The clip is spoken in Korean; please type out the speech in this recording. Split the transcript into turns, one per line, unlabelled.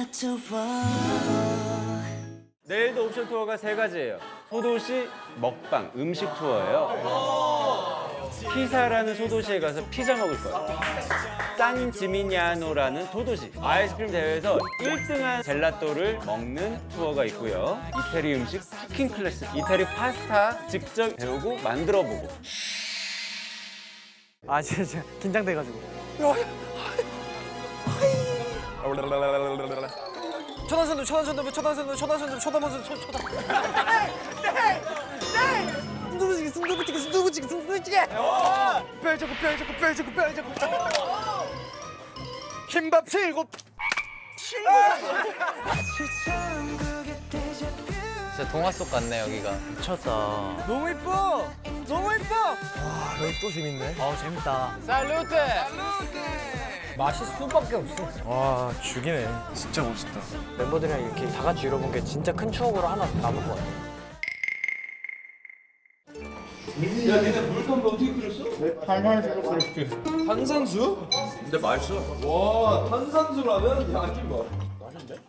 내일도 옵션 투어가 3가지예요. 소도시 먹방 음식 투어예요. 피사라는 소도시에 가서 피자 먹을 거예요. 산 지미냐노라는 소도시 아이스크림 대회에서 1등한 젤라또를 먹는 투어가 있고요. 이태리 음식 쿠킹 클래스, 이태리 파스타 직접 배우고 만들어보고.
아 진짜 긴장돼가지고. 초단선도 초단선도 초단선도 초단선도 초단선도 초단. 순두부찌개 순두부찌개 순두부찌개 순두부찌개. 뼈저고 뼈저고 뼈저고 뼈저고. 김밥 7.
진짜 동화 속 같네 여기가.
미쳤다. 너무 이뻐. 너무 이뻐. 와 여기 또 재밌네. 재밌다.
살루테.
맛이 수밖에 없어. 와 죽이네. 진짜 멋있다. 멤버들이랑 이렇게 다 같이 이뤄본 게 진짜 큰 추억으로 하나 남을 것 같아.
야, 니네 물건도 어떻게 끓였어? 탄산수로 끓였지. 탄산수? 근데 맛있어. 와, 탄산수라면? 야, 이게 뭐? 맛있는데?